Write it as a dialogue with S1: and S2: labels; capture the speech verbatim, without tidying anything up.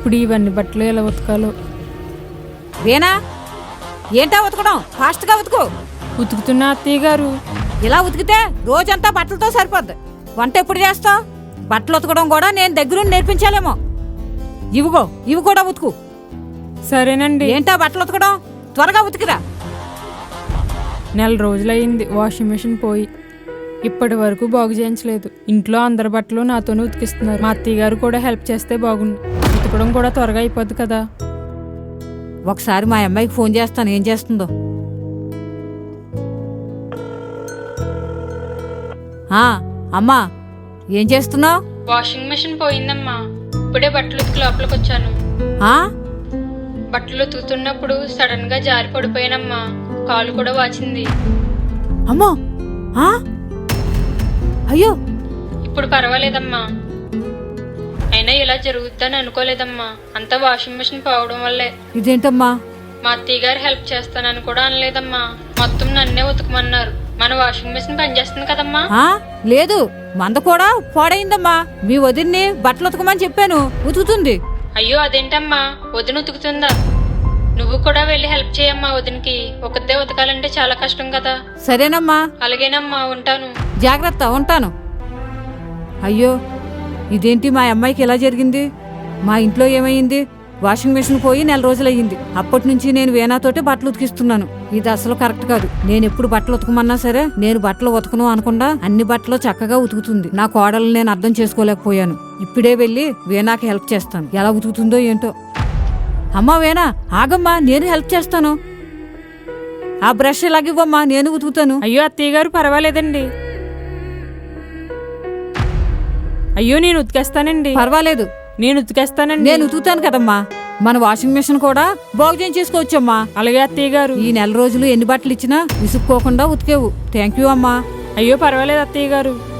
S1: ఇప్పుడు ఇవన్నీ బట్టలు ఎలా ఉతకాలో.
S2: వేనా ఏంటా ఉతకడం? ఫాస్ట్గా ఉతుకు.
S1: ఉతుకుతున్నా అత్తయ్య గారు.
S2: ఇలా ఉతికితే రోజంతా బట్టలతో సరిపోద్ది. వంట ఎప్పుడు చేస్తావు? బట్టలు ఉతకడం కూడా నేను దగ్గరుండి నేర్పించాలేమో. ఇవిగో ఇవి కూడా ఉతుకు.
S1: సరేనండి.
S2: ఏంటా బట్టలు ఉతకడం? త్వరగా ఉతికిరా.
S1: నెల రోజులయ్యింది వాషింగ్ మెషిన్ పోయి. ఇప్పటి వరకు బాగు చేయించలేదు. ఇంట్లో అందరి బట్టలు నాతోనే ఉతికిస్తున్నారు. మా అత్తయ్య గారు కూడా హెల్ప్ చేస్తే బాగుండు. ఉతకడం కూడా త్వరగా అయిపోద్ది కదా.
S2: ఒకసారి మా అమ్మాయికి ఫోన్ చేస్తాను, ఏం చేస్తుందో. ఆ అమ్మా, ఏం చేస్తున్నావు?
S3: వాషింగ్ మెషిన్ పోయిందమ్మా. ఇప్పుడే బట్టలు ఉతికి లోపలికి వచ్చాను.
S2: ఆ
S3: బట్టలు ఉతుకుతున్నప్పుడు సడన్ గా జారి పడిపోయానమ్మా. కాలు కూడా వాచింది.
S2: అమ్మో, ఆ అయ్యో.
S3: ఇప్పుడు పర్వాలేదమ్మా. అయినా ఇలా జరుగుద్దని అనుకోలేదమ్మా. అంతా వాషింగ్ మెషిన్ పోవడం వల్లే.
S2: ఇదేంటమ్మా?
S3: మా అత్తయ్య గారు హెల్ప్ చేస్తానని కూడా అనలేదమ్మా. మొత్తం నన్నే ఉతకమన్నారు. మన వాషింగ్ మెషిన్ పనిచేస్తుంది కదమ్మా.
S2: ఆ లేదు, మంద కూడా పాడైందమ్మా. మీ వదిన్ని బట్టలు ఉతకమని చెప్పాను, ఉతుకుతుంది.
S3: అయ్యో అదేంటమ్మా, వదిన ఉతుకుతుందా? నువ్వు కూడా వెళ్ళి హెల్ప్ చేయమ్మా వదినికి. ఒకతే ఉతకాలంటే చాలా కష్టం కదా.
S2: సరేనమ్మా.
S3: అలాగేనమ్మా, ఉంటాను.
S2: జాగ్రత్త, ఉంటాను. అయ్యో, ఇదేంటి మా అమ్మాయికి ఎలా జరిగింది? మా ఇంట్లో ఏమైంది? వాషింగ్ మెషిన్ పోయి నెల రోజులయ్యింది. అప్పటి నుంచి నేను వేనాతోటే బట్టలు ఉతికిస్తున్నాను. ఇది అసలు కరెక్ట్ కాదు. నేను ఎప్పుడు బట్టలు ఉతకమన్నా సరే నేను బట్టలు ఉతకను అనకుండా అన్ని బట్టలు చక్కగా ఉతుకుతుంది. నా కోడలు నేను అర్థం చేసుకోలేకపోయాను. ఇప్పుడే వెళ్ళి వేనాకి హెల్ప్ చేస్తాను. ఎలా ఉతుకుతుందో ఏంటో. అమ్మా వేనా, ఆగమ్మా, నేను హెల్ప్ చేస్తాను. ఆ బ్రష్ ఎలాగివ్వమ్మా, నేను ఉతుకుతాను.
S1: అయ్యో అత్తయ్య గారు, పర్వాలేదండి. అయ్యో నేను ఉతికేస్తానండి.
S2: పర్వాలేదు,
S1: నేను ఉతికేస్తానండి.
S2: నేను ఉతుకుతాను కదమ్మా. మన వాషింగ్ మెషిన్ కూడా బాగు చేయించేసుకోవచ్చమ్మా.
S1: అలాగే అత్తయ్య గారు.
S2: ఈ నెల రోజులు ఎన్ని బట్టలు ఇచ్చినా విసుక్కోకుండా ఉతికేవు. థ్యాంక్ యూ అమ్మా.
S1: అయ్యో పర్వాలేదు అత్తయ్య గారు.